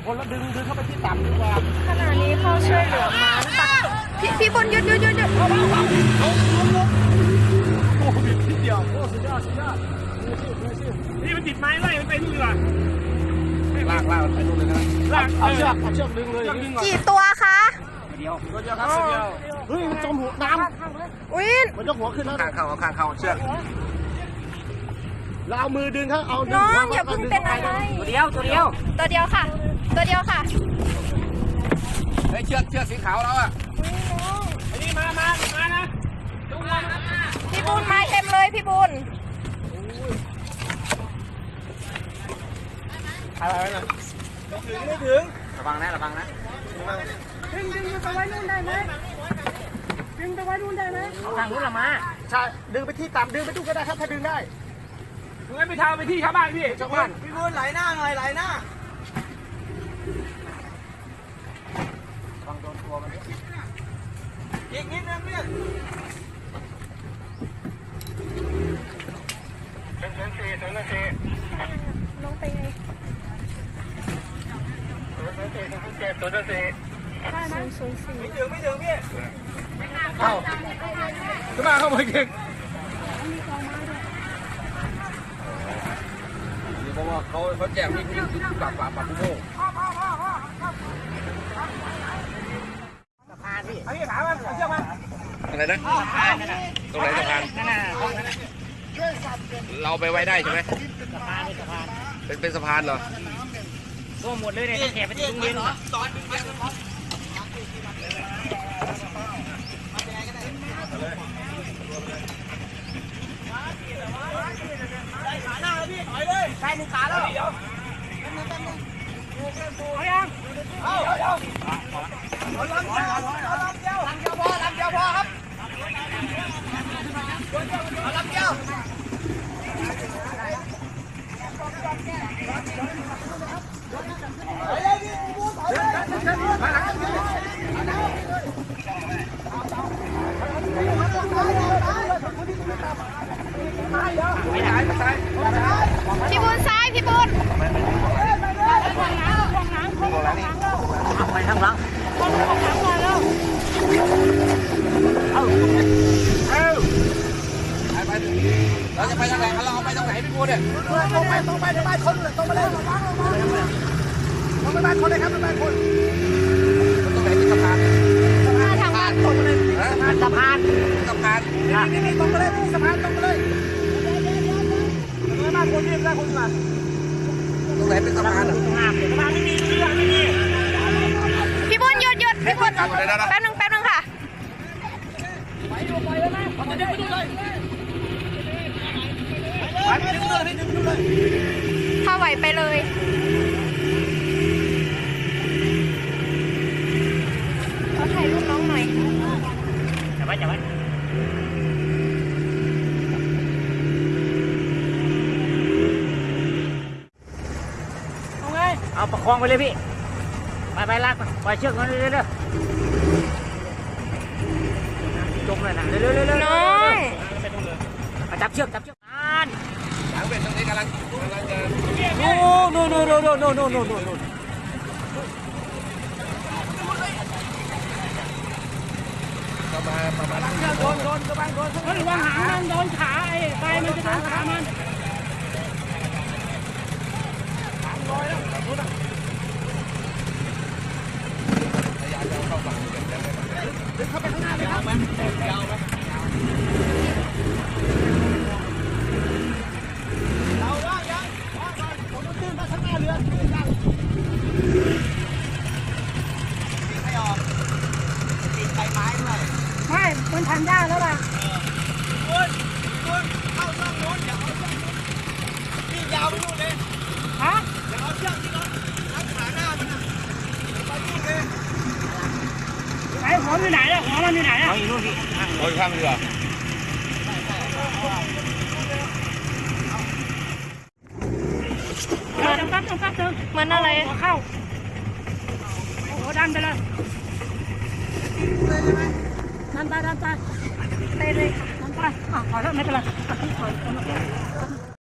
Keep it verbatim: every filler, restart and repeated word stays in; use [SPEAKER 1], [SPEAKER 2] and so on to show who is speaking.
[SPEAKER 1] คนละดึงดึงเข้าไปที่ต่ำดีกว่า
[SPEAKER 2] ขณะนี้เข้าช่วยเหลือม้าตักพี่พี่บนหยุดหยุดหยุดหยุด
[SPEAKER 1] เอาเอาเอาเอาโอ้บิดทีเดียวโอ้สุดยอดสุดยอดนี่มันติดไม้ไล่มันไปนู่นดีกว่าลากลากไปนู่นเลยนะลากเอาเชือกเอาเชือกดึงเลย
[SPEAKER 2] กี่ตัวคะ
[SPEAKER 1] เดียวตัวเดียวครับตัวเดียวเฮ้ยมันจมหัวน้ำ
[SPEAKER 2] วิน
[SPEAKER 1] มันจะหัวขึ้นแล้วข้างเขาข้างเขาเชือกเราเอามือดึงเขาเอา
[SPEAKER 2] น้องอย่าเพิ่งเป็นอะไร
[SPEAKER 1] ตัวเดียวตัวเดียว
[SPEAKER 2] ตัวเดียวค่ะตัวเดียวค่ะ
[SPEAKER 1] ไอ้เชือกเชือกสีขาวแล้วอ่ะอันนี้มามามานะดูมา
[SPEAKER 2] พี่บุญมาเต็มเลยพี่บุญ
[SPEAKER 1] อะไรนะถึงไม่ถึงระวังนะระวังนะ
[SPEAKER 2] ดึงดึงไปไว้นู่นได้ไหมดึงไปไว้นู่นได้ไหม
[SPEAKER 1] ทางนู้นละมาใช่ดึงไปที่ต่ำดึงไปตู้ก็ได้ครับถ้าดึงได้ดึงไปทางไปที่ชาวบ้านพี่ชาวบ้านพี่บุญไหลหน้าหน่อยไหลหน้าระวังโดนตัวมันอีกนิดนึงเนี่ยเป็นเป็นสี่เป็นเป็นสี่
[SPEAKER 2] น้องไปไง
[SPEAKER 1] เป็นสี่เป็นเจ็ดตัวเป็นสี่
[SPEAKER 2] ได้ไหมศูนย์สี่
[SPEAKER 1] ไม่ถึงไม่ถึงพี่เข้าขึ้นมาเข้ามาเก่งเพราะว่าเขาเขาแจกนี่คือปากปากปากกุ้งโม่สะพานพี่เอาพี่ขามาเอาเชือกมาอะไรนะตรงไหนสะพานเราไปไว้ได้ใช่ไหมสะพานเป็นสะพานเป็นเป็นสะพานเหรอก็หมดเลยเนี่ยแขกไปถึงเย็นตอนขาหน้าพี่ถอยเลยใกล้หนึ่งขาแล้วเอายังเอาเอาเอาลำเดียวเอาลำเดียวลำเดียวพอลำเดียวพอครับเอาลำเดียว
[SPEAKER 2] พี่บุญซ้ายพี่บุญ
[SPEAKER 1] ไปทางหลังเอาเอาไปไปเราจะไปทางไหนเราเอาไปทางไหนพี่บุญเนี่ยตรงไปตรงไปที่บ้านคนเลยตรงไปเลยตรงไปบ้านคนเลยครับไปบ้านคนตรงไหนเป็นสะพาน
[SPEAKER 2] ทางบ้านคนเลย
[SPEAKER 1] สะพานสะพานนี่นี่ตรงไปเลยสะพานตรงไปเลยตรงไหนบ้านคนนี่บ้านคนมาตรงไหนเป็นสะพานอ่ะสะพานไม่มีไม่มี
[SPEAKER 2] พี่บุญหยุดหยุดพี่บุญแป๊บนึงแป๊บนึงค่ะ
[SPEAKER 1] ไปดูไปเลยไหมไปดูไปดูเลยไปไปดูเลยไปดูเลย
[SPEAKER 2] ถ้าไหวไปเลยเขาถ่ายรูปน้องหน่อย
[SPEAKER 1] จับไว้จับไว้เอาไงเอาประคองไปเลยพี่ไปไปลากไปเชือกมันเรื่อยๆจมเลยนะเรื่อยๆเรื่อยๆ
[SPEAKER 2] น้อง
[SPEAKER 1] จับเชือกจับเชือกอ่านหางเป็ดตรงนี้กำลังกำลังจะโน่โน่โน่โน่โน่โน่โน่โน่โน่โน่ประมาณประมาณโดนโดนกระบังโดนเฮ้ยวางหางมันโดนขาไอ้ไปมันจะโดนขามันหางลอยแล้วรู้นะพยายามจะเข้าฝั่งเดินเข้าไปข้างหน้าเลยครับมันยาวไหมเราว่ายังว่าก่อนผมต้องตื้นมาข้างหน้าเรือตื้นยังไม่ออกติดใบไม้ด้วย
[SPEAKER 2] ไม่มันทันได้แล้วล่ะ
[SPEAKER 1] คุณคุณเข้าช่องโน้นอย่าเอาช่องโน้นนี่ยาวไปนู่นเลย
[SPEAKER 2] ฮะ
[SPEAKER 1] อย่าเอาเชือกที่เรารัดขาหน้ามันนะไปนู่นเลย
[SPEAKER 2] ไอ้หัวอยู่ไหนอะหัวมันอยู่ไหนอะ
[SPEAKER 1] อยู่นู่นพี่หัวอยู่ข้างเรือ
[SPEAKER 2] มันปั๊บปั๊บนึงมันอะไรหัวเข้าหัวดันไปเลยดันไปดันไปไปเลยดันไปอ่ะขอโทษไม่เป็นไรขอโทษ